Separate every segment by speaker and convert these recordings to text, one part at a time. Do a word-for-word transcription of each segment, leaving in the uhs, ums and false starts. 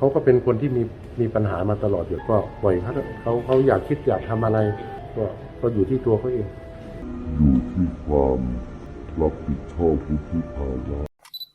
Speaker 1: เขาก็เป็นคนที่มีมีปัญหามาตลอดอยู่ก็ปล่อยเขาเขาเขาอยากคิดอยากทำอะไรก็ก็อยู่ที่ตัวเขาเอง
Speaker 2: อยู่ที่ความรับผิดชอบวุฒิภาวะ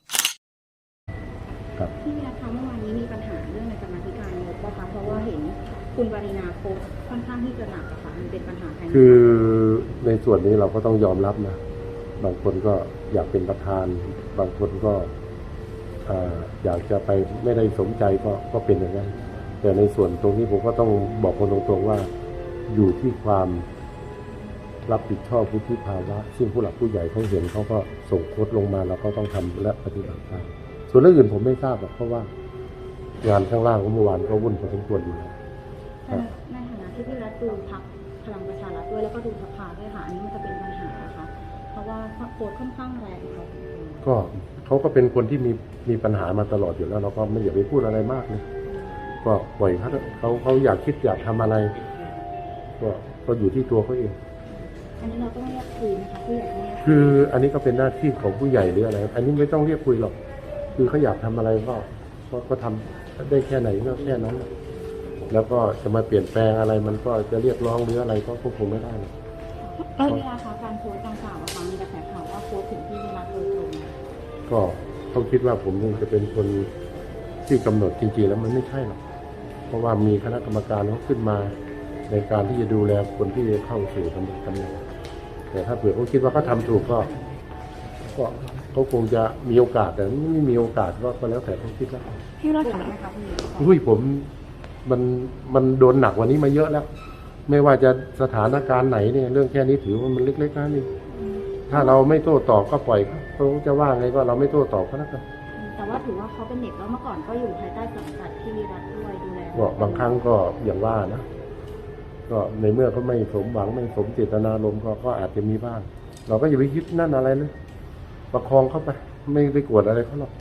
Speaker 1: ครับ
Speaker 3: ที่วิรัตคะเมื่อวานนี้มีปัญหาเรื่องในกรรมาธิการงบนะคะเพราะว่าเห็นคุณปรินาโพสต์ค่อนข้างที่จะหนักอะค่ะมันเป็นปัญหาภายใน
Speaker 1: คือในส่วนนี้เราก็ต้องยอมรับนะบางคนก็อยากเป็นประธานบางคนก็อยากจะไปไม่ได้สมใจก็ก็เป็นอย่างนั้นแต่ในส่วนตรงนี้ผมก็ต้องบอกคนตรงๆว่าอยู่ที่ความรับผิดชอบวุฒิภาวะซึ่งผู้หลักผู้ใหญ่เขาเห็นเขาก็ส่งโค้ดลงมาแล้วก็ต้องทำและปฏิบัติตามส่วนเรื่องอื่นผมไม่ทราบหรอกเพราะว่างานข้างล่างเมื่อวานก็วุ่นพอสมควรอยู่แล้ว
Speaker 3: ในฐานะที่พี่รัฐดูพรรคพลังประชารัฐด้วยแล้วก็ดูสภาด้วยค่ะอันนี้มันจะเป็นปัญหาค่ะเพราะว่าโค้ดค่อนข้างแรงค่ะ
Speaker 1: ก็เขาก็เป็นคนที่มีมีปัญหามาตลอดอยู่แล้วเราก็ไม่อยากไปพูดอะไรมากเลยก็ปล่อยเขาเขาเขาอยากคิดอยากทำอะไรก็ก็อยู่ที่ตัวเขาเอง
Speaker 3: อันนี้เราต้องเรียกคุยนะคะผู้ใหญ่เนี่ย
Speaker 1: คืออันนี้ก็เป็นหน้าที่ของผู้ใหญ่หรืออะไรอันนี้ไม่ต้องเรียกคุยหรอกคือเขาอยากทำอะไรก็ก็ก็ทำได้แค่ไหนก็แค่นั้นแล้วก็จะมาเปลี่ยนแปลงอะไรมันก็จะเรียกร้องหรืออะไรก็ควบคุมไม่ได้
Speaker 3: เออเวลาคะการโพสต์ดังกล่าวอะค่ะมีกระแสข่าวว่าโพสต์ถึงที่วิรัตโดยตรง
Speaker 1: ก็เขาคิดว่าผมนี่จะเป็นคนที่กำหนดจริงๆแล้วมันไม่ใช่หรอกเพราะว่ามีคณะกรรมการเขาขึ้นมาในการที่จะดูแลคนที่เข้าสู่ตำแหน่งตำแหน่งแต่ถ้าเผื่อเขาคิดว่าเขาทำถูกก็ก็เขาคงจะมีโอกาสแต่ไม่มีโอกาสก็แล้วแต่เขาคิดแล้ว
Speaker 3: พี่รัฐถามนะคะพี่
Speaker 1: อุ้ยผมมันมันโดนหนักกว่านี้มาเยอะแล้วไม่ว่าจะสถานการณ์ไหนเนี่ยเรื่องแค่นี้ถือว่ามันเล็กๆนะนี่ถ้าเราไม่โต้ตอบก็ปล่อยเขาจะว่าไงก็เราไม่โต้ตอบก็แล้วกัน
Speaker 3: แต่ว่าถือว่าเขาเป็นเด็กแล้วเมื่อก่อนก็อยู่ภายใต้สังกัดที่วิรัตด้วยดูแล
Speaker 1: ก็บางครั้งก็อย่างว่านะก็ในเมื่อเขาไม่สมหวังไม่สมเจตนารมณ์ก็ก็อาจจะมีบ้างเราก็อย่าไปคิดนั่นอะไรเลยประคองเข้าไปไม่ไปกวดอะไรเขาหรอก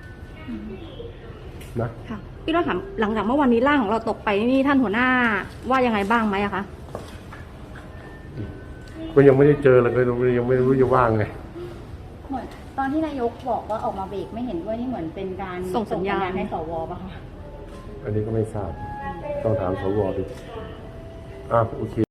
Speaker 1: นะ
Speaker 4: ค่ะพี่รัฐถามหลังจากเมื่อวันนี้ร่างของเราตกไปนี่ท่านหัวหน้าว่ายังไงบ้างไหมอะคะ
Speaker 1: ก็ยังไม่ได้เจอเลยเลยยังไม่รู้จะว่างไง
Speaker 3: เหมือนตอนที่นายกบอกว่าออกมาเบรกไม่เห็นด้วยนี่เหมือนเป็นการ
Speaker 4: ส่งสัญญาณ
Speaker 3: ให้สวป่ะคะ
Speaker 1: อันนี้ก็ไม่ทราบต้องถามสวดิอ่ะโอเค